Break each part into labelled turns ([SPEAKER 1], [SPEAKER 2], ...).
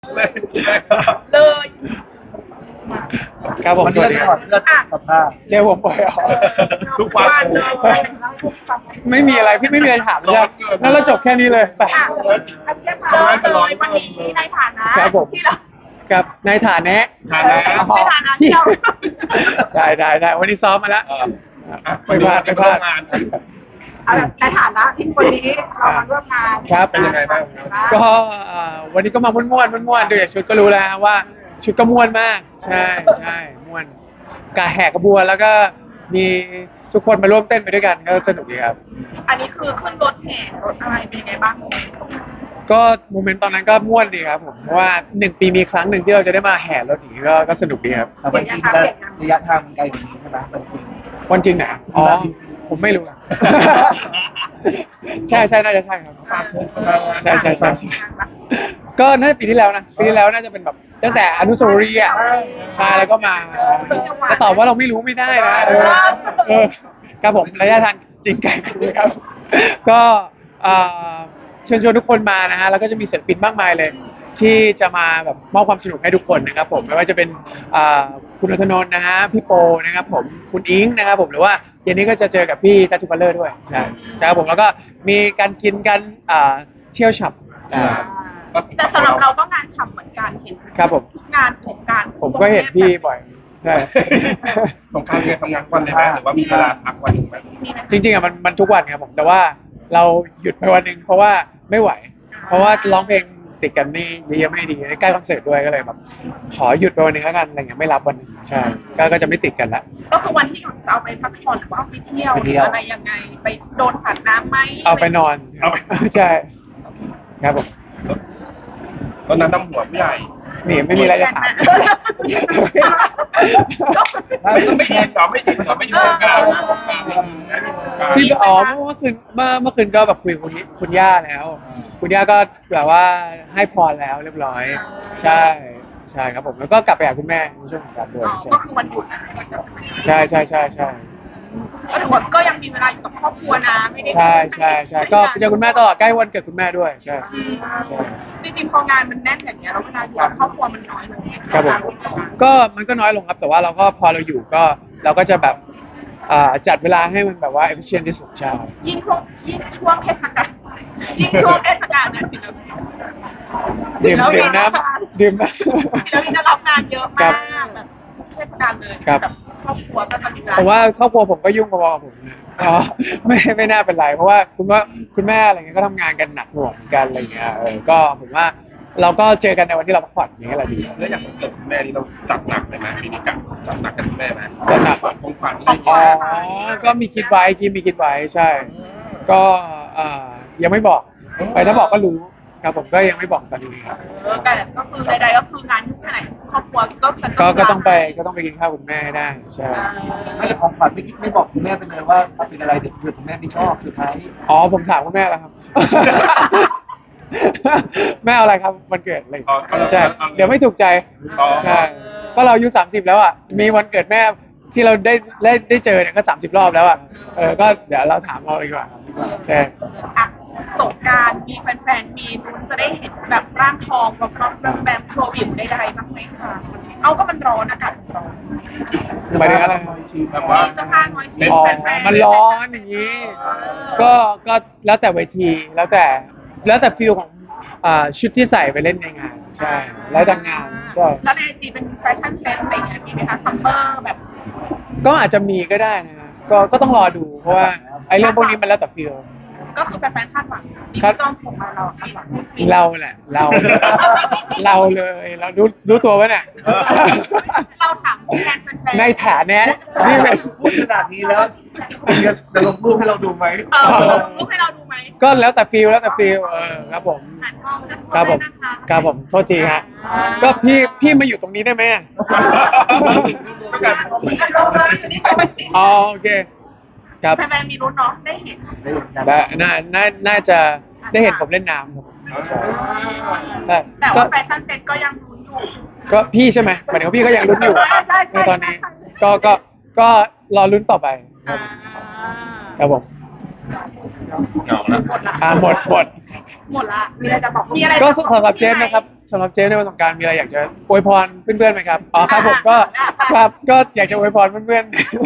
[SPEAKER 1] เลย
[SPEAKER 2] เลย
[SPEAKER 3] ครับผม
[SPEAKER 4] มัน
[SPEAKER 3] ส
[SPEAKER 4] เลื
[SPEAKER 3] วั
[SPEAKER 4] อ
[SPEAKER 3] ส
[SPEAKER 4] ด
[SPEAKER 3] ดี
[SPEAKER 4] จะ
[SPEAKER 3] ค
[SPEAKER 4] ถ
[SPEAKER 3] รั
[SPEAKER 4] อบ ดเลือดสภาพ
[SPEAKER 3] เจอผมบ่อยเหรอ
[SPEAKER 1] ทุกวันเลย
[SPEAKER 3] ไม่มีอะไรพี่ไม่มีอะไรถามใช่ไหมงั้นเราจบแค่นี้เลยไป
[SPEAKER 2] อ่ะอันนี้มาเลยวันนี้ในฐานะครับ
[SPEAKER 3] ผม
[SPEAKER 2] ที่เรา
[SPEAKER 3] กับในฐานะ
[SPEAKER 1] ฐานะ
[SPEAKER 3] อ๋อ
[SPEAKER 2] ในฐานะที่เรา
[SPEAKER 3] ได้วันนี้ซ้อมมาแล้วไม่พลาด
[SPEAKER 1] งาน
[SPEAKER 2] เอาแบบในฐานะที่วันนี้เรามาร่วมงาน
[SPEAKER 3] ครับ
[SPEAKER 1] เป็นยังไงบ้าง
[SPEAKER 3] ก็วันนี้ก็มาม่วนดูจากชุดก็รู้แล้วว่าชุดก็ม่วนมากใช่ม่วนกาแหกกระบวนแล้วก็มีทุกคนมาร่วมเต้นไปด้วยกันก็สนุกดีครับ
[SPEAKER 2] อันนี้คือขึ้นรถแห่รถอะไรเป็นยังไงบ้าง
[SPEAKER 3] ก็โมเมนต์ตอนนั้นก็ม่วนดีครับผมเพราะว่า1 ปีมีครั้งหนึ่งที่เราจะได้มาแห่รถอย่างนี้ก็สนุกดีครับ
[SPEAKER 4] แต่วันจริงแล้วระยะทางมันไกลกว่านี้ใช่ไหมวันจริง
[SPEAKER 3] วันจริงไหนอ๋อผมไม่รู้ ใช่น่าจะใช่ครับใช่ก็น่าจะปีที่แล้วนะปีที่แล้วน่าจะเป็นแบบตั้งแต่อนุสาวรีย์อ่ะใช่แล้วก็มาจะตอบว่าเราไม่รู้ไม่ได้นะครับผมระยะทางจริงไกลกันเลยครับก็เชิญชวนทุกคนมานะฮะแล้วก็จะมีศิลปินมากมายเลยที่จะมาแบบมอบความสนุกให้ทุกคนนะครับผมไม่ว่าจะเป็นคุณณัฐนนท์นะฮะพี่โปนะครับผมคุณอิงนะครับผมหรือว่าเย็นนี้ก็จะเจอกับพี่ทัตทูคัลเลอร์ด้วยใช่ครับผมแล้วก็มีการกินกันเที่ยวฉับ
[SPEAKER 2] แต่สำหรับเราก็งานฉ่ำเหมือนกันเห็น
[SPEAKER 3] ครับผม
[SPEAKER 2] ทุกงานของการ
[SPEAKER 3] ผมก็เห็นพี่บ่อยใช่
[SPEAKER 1] สงครามเรียนทำงานวันเลยไหมหรือว่ามีเวลาพักวันหนึ่งไหม
[SPEAKER 3] จริงๆอ่ะมันทุกวันครับผมแต่ว่าเราหยุดไปวันหนึ่งเพราะว่าไม่ไหว เพราะว่าร้องเพลงติดกันนี่เยอะๆไม่ดีใกล้คอนเสิร์ตด้วยก็เลยแบบขอหยุดไปวันหนึ่งแล้วกันอะไรเงี้ยไม่รับวันหนึงใช่ก็จะไม่ติดกันละ
[SPEAKER 2] ก็คือวันที่หยุดจะเอาไปพักผ่อนหรือว่าเอาไปเที่ยวหรืออะไรยังไงไปโดนสัตว์น้ำไหม
[SPEAKER 3] เอาไปนอนใช่ครับผม
[SPEAKER 1] ตอนนั้นน้ำหัวผู้ใหญ่
[SPEAKER 3] นี่ไม่มีอะไรจะถาม
[SPEAKER 1] ไม่ยินหรอไม่ยินกัน
[SPEAKER 3] ที่เมื่อคืนก็แบบคุยกับคุณย่าแล้ว คุณย่าก็แบบว่าให้พรแล้วเรียบร้อย ใช่ครับผมแล้วก็กลับไปหาคุณแม่ในช่วงของการด้วยใช่
[SPEAKER 2] ก็คือวันหยุดนะ
[SPEAKER 3] ใช่
[SPEAKER 2] ก็ถือว่าก็ยังมีเวลาอยู่กับครอบครัวนะไม่ได้
[SPEAKER 3] ใช่ก็ไปเจอคุณแม่ตลอดใกล้วันเกิดคุณแม่ด้วยใช่
[SPEAKER 2] จริงๆพองานมันแน่นอย่างเงี้ยเราเวลาอยู่กับครอบครัวมันน้อยลง
[SPEAKER 3] ครับผมก็มันก็น้อยลงครับแต่ว่าเราก็พอเราอยู่ก็เราก็จะแบบจัดเวลาให้มันแบบว่า efficient ที่สุดใช่
[SPEAKER 2] ยิ่งช่วงเทศกาลเนี่ยศิลปิน
[SPEAKER 3] ดื่มน้ำ
[SPEAKER 2] ศิลปินจะรับงานเยอะมากแบบเทศกาลเลยแบบครอบครัวก็จะมีเวลา
[SPEAKER 3] ผมว่าครอบครัวผมก็ยุ่งพอๆกับผมนะอ๋อไม่น่าเป็นไรเพราะว่าคุณแม่อะไรเงี้ยก็ทำงานกันหนักหน่วงเหมือนกันอะไรเงี้ยก็ผมว่าเราก็เจอกันในวันที่เราพักผ่อนอย่างเงี้ยแหละดี
[SPEAKER 1] แล้วอย่างวันเกิดคุณแม่นี่เราจัดหนักเลยไหมปีนี้จัดหนักกันคุณแม่ไหม
[SPEAKER 3] จัดหนัก
[SPEAKER 1] ของขวัญ
[SPEAKER 3] อ๋อก็มีคิดไว้ใช่ ก็ยังไม่บอกไปถ้าบอกก็รู้ครับผมก็ยังไม่บอกตอนนี้ครับ
[SPEAKER 2] แต่ก็คือใดๆก็คืองานยุ่งแค่ไหนครอบครัว
[SPEAKER 3] ก็ต้องไปกินข้าวคุณแม่ให้ได้ใช่
[SPEAKER 4] ไม่ได้ของขวัญไม่บอกคุณแม่ไปเลยว่าเป็นอะไรเดี๋ยวเผื่อคุณแม่ไม่ชอบสุดท้าย
[SPEAKER 3] อ๋อผมถามคุณแม่แล้วครับ แม่เอาอะไรครับวันเกิดอะไรใช่เดี๋ยวไม่ถูกใจใช่ก็เราอายุ30แล้วอ่ะมีวันเกิดแม่ที่เราได้เจอเนี่ยก็30 รอบแล้วอ่ะก็เดี๋ยวเราถามเราดีกว่าใช่
[SPEAKER 2] อ่ะสงกรานต์มีแฟนๆมีลุ้นจะได้เห็นแบบร่างทองแบบโชว์วิวใดๆบ้างไหมคะเอาก็มันร้อนอากาศมันร้อน
[SPEAKER 3] หมายถึงอะไร
[SPEAKER 1] แบบว่า
[SPEAKER 2] มีเสื้อผ้าน้อยชิ้น
[SPEAKER 3] อ๋อ
[SPEAKER 2] แฟนๆ
[SPEAKER 3] มันร้อนอย่างนี้ ก็แล้วแต่เวทีแล้วแต่ฟิลของชุดที่ใส่ไปเล่นในงานใช่แล้วแต่งานใช่
[SPEAKER 2] แล้วในไอจีเป็นแฟชั่นเซ็ตอะไรอย่างเงี้ยมีไหมคะซัมเมอร์แบบ
[SPEAKER 3] ก็อาจจะมีก็ได้นะฮะก็ต้องรอดูเพราะว่าไอ้เรื่องพวกนี้มันแล้วแต่ฟิล
[SPEAKER 2] ก็คือแฟนๆคาดหวังดิจิตอลผมมาเราคาดหวัง
[SPEAKER 3] เราแหละเราเลยเรารู้ตัวปะเนี่ย
[SPEAKER 2] เราถามแฟนๆ
[SPEAKER 3] ในฐานะนี่เป็น
[SPEAKER 4] พูดขนาดนี้แล้วจะลงรูปให้เราดูไหม
[SPEAKER 2] รูปให้เราดูไหม
[SPEAKER 3] ก็แล้วแต่ฟิลครับผม
[SPEAKER 2] หันกล้องนะ
[SPEAKER 3] ครับผมครับผมโทษทีฮะก็พี่มาอยู่ตรงนี้ได้ไหมอ๋อโอเคครับ
[SPEAKER 2] แฟนๆมีลุ้นเนาะได้เห็น
[SPEAKER 3] น่าจะได้เห็นผมเล่นน้ำครับใช่
[SPEAKER 2] แต่ว่าแฟชั่นเซ็ตก็ยังลุ้นอยู่
[SPEAKER 3] ก็พี่ใช่ไหมหมายถึงว่าพี่ก็ยังลุ้นอยู่
[SPEAKER 2] ใช่
[SPEAKER 3] ในตอนนี้ก็รอลุ้นต่อไปครับผม
[SPEAKER 1] เหงาแล้ว
[SPEAKER 3] หมด
[SPEAKER 2] หมดละมีอะไรจะบอกมีอะไร
[SPEAKER 3] ก็สำหรับเจนนะครับสำหรับเจนในวันสงกรานต์มีอะไรอยากจะอวยพรเพื่อนๆไหมครับอ๋อครับผมก็ครับก็อยากจะอวยพรเพื่อน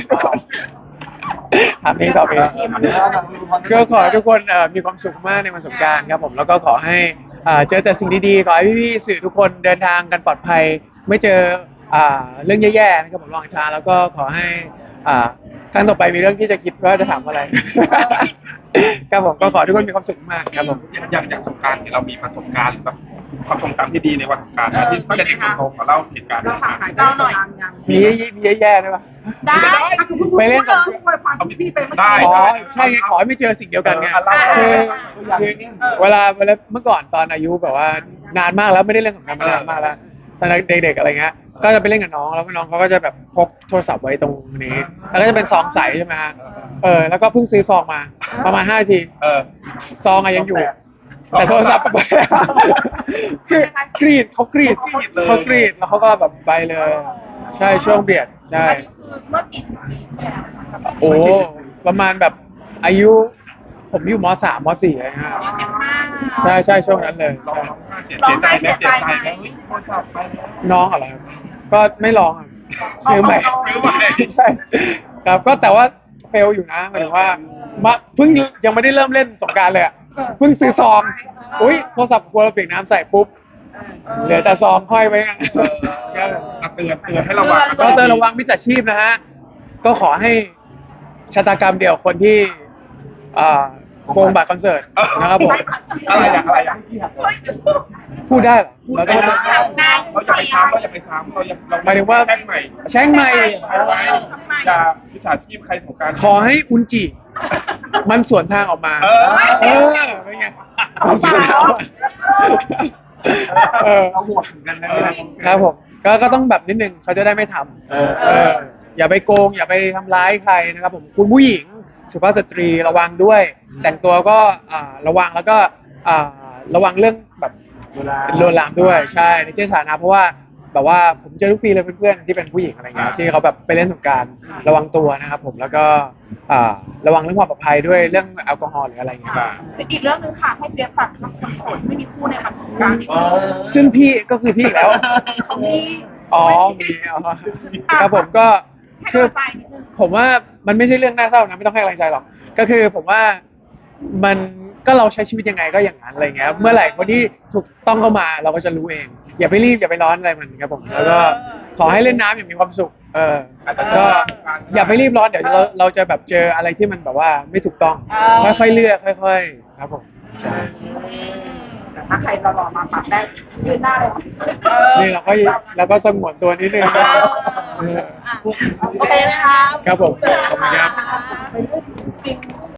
[SPEAKER 3] ๆถามเองตอบเองก็ขอให้ทุกคนมีความสุขมากในวันสงกรานต์ครับผมแล้วก็ขอให้เจอแต่สิ่งดีๆขอให้พี่ๆสื่อทุกคนเดินทางกันปลอดภัยไม่เจอเรื่องแย่ๆนะครับผมระวังช้าแล้วก็ขอให้ครั้งต่อไปมีเรื่องที่จะคิดว่าจะถามอะไร ครับผมก็ขอให้ทุกคนมีความสุขมากครับผม
[SPEAKER 1] อย่างสงกรานต์เนี่ยเรามีประสบการณ์หรือแบบความทรงจำที่ดีในวันสงกรานต์นะที่ตั้งแต่เด็กจนโตขอเล่าเหตุการณ์ให้ฟัง
[SPEAKER 2] เราหน่อย
[SPEAKER 3] มีแย่ๆด้วยปะ
[SPEAKER 2] ได้
[SPEAKER 3] ไปเล่นสง
[SPEAKER 1] เอาพี่ไปได้
[SPEAKER 3] อ๋อใช่ไงขอให้ไม่เจอสิ่งเดียวกันไงคือเวลาเมื่อก่อนตอนอายุแบบว่านานมากแล้วไม่ได้เล่นสงกรานต์มานานมากแล้วตอนเด็กๆอะไรเงี้ยก็จะไปเล่นกับน้องแล้วก็น้องเขาก็จะแบบพกโทรศัพท์ไว้ตรงนี้แล้วก็จะเป็นซองใสใช่ไหมฮะแล้วก็เพิ่งซื้อซองมาประมาณ5 นาที ซองอะยังอยู่ แต่โทรศัพท์ไปแล้วคือกรีดเขากรีดแล้วเขาก็แบบไปเลย ใช่ช่วงเบียดใช่
[SPEAKER 2] อันนี้คือเมื่อกี่ปีที่แล้วคะ
[SPEAKER 3] โอ้ประมาณแบบอายุผมอยู่ม.3 ม.4อะไรเงี้ย
[SPEAKER 2] 25
[SPEAKER 3] ใช่ช่วงนั้นเลย
[SPEAKER 1] ร้อง
[SPEAKER 3] ใช่
[SPEAKER 1] ไห้เสียใจไหมเสียใจไหม
[SPEAKER 4] โทรศัพท์ไปแล้ว
[SPEAKER 3] น้องอะไรครับก็ไม่ร้องอะซื้อใหม่
[SPEAKER 1] ซื้อใหม่
[SPEAKER 3] ใช่ครับก็แต่ว่าเฟลอยู่นะหมายถึงว่าเพิ่งยังไม่ได้เริ่มเล่นสงกรานต์เลยอะเพิ่งซื้อซองอุ้ยโทรศัพท์กลัวเราเปียกน้ำใส่ปุ๊บเหลือแต่ซองห้อยไว้กัน
[SPEAKER 1] เตือนให้ระวัง
[SPEAKER 3] ก็เตือนระวังมิจฉาชีพนะฮะก็ขอให้ชะตากรรมเดียวคนที่โกงบัตรคอนเสิร์ตนะครับผม
[SPEAKER 1] อะไรอย่าง
[SPEAKER 3] พูดได้เหรอเราต้อง
[SPEAKER 1] เราอย่าไปซ้ำเรา
[SPEAKER 3] หมายถึงว่า
[SPEAKER 1] แช่งใหม่
[SPEAKER 3] แช่งใหม่
[SPEAKER 1] อย่าวิชาชีพใครของการ
[SPEAKER 3] ขอให้อุนจิ มันสวนทางออกมา เป็นไงมันสวนทางออกมาเออ
[SPEAKER 4] เราโหวตถึงกันนะครับ
[SPEAKER 3] ผมก็ต้องแบบนิดนึงเขาจะได้ไม่ทำอย่าไปโกง อย่าไปทำร้ายใครนะครับผมคุณผู้หญิงสุภาพสตรีระวังด้วย แต่งตัวก็ระวังแล้วก็ระวังเรื่องแบบลวนลามด้วยใช่ในที่สาธารณะเพราะว่าแบบว่าผมเจอทุกปีเลยเพื่อนๆที่เป็นผู้หญิงอะไรเงี้ยที่เขาแบบไปเล่นสงกรานต์ระวังตัวนะครับผมแล้วก็ระวังเรื่องความปลอดภัยด้วยเรื่องแอลกอฮอล์หรืออะไรเงี้ย
[SPEAKER 2] อีกเรื่องนึงค่ะให้เปียกฝากกับคนโสดไม่มีคู่ในวันสงกรานต์อีก
[SPEAKER 3] ซึ่งพี่ก็คือพี่อีกแล้ว
[SPEAKER 2] เขามี
[SPEAKER 3] อ๋อมีครับผมก็
[SPEAKER 2] ให้
[SPEAKER 3] คือก
[SPEAKER 2] ำลังใจนิดนึง
[SPEAKER 3] ผมว่ามันไม่ใช่เรื่องน่าเศร้านะไม่ต้องให้กำลังใจหรอกก็คือผมว่ามันก็เราใช้ชีวิตยังไงก็อย่างนั้นอะไรเงี้ยเมื่อไหร่คนที่ถูกต้องเข้ามาเราก็จะรู้เอง อย่าไปรีบอย่าไปร้อนอะไรมันครับผมแล้วก็ขอให้เล่นน้ำอย่างมีความสุขก็อย่าไปรีบร้อนเดี๋ยวเราจะแบบเจออะไรที่มันแบบว่าไม่ถูกต้องค่อยๆเลือกค่อยๆครับผมใช่
[SPEAKER 2] แต่ถ้าใครหล่อๆมาปรับได้ยืนหน้าเลย
[SPEAKER 3] นี่เราก็สงวนตัวนิดนึง
[SPEAKER 2] โอเคไหมคะ
[SPEAKER 3] ครับผมขอบคุณครับ
[SPEAKER 2] จริง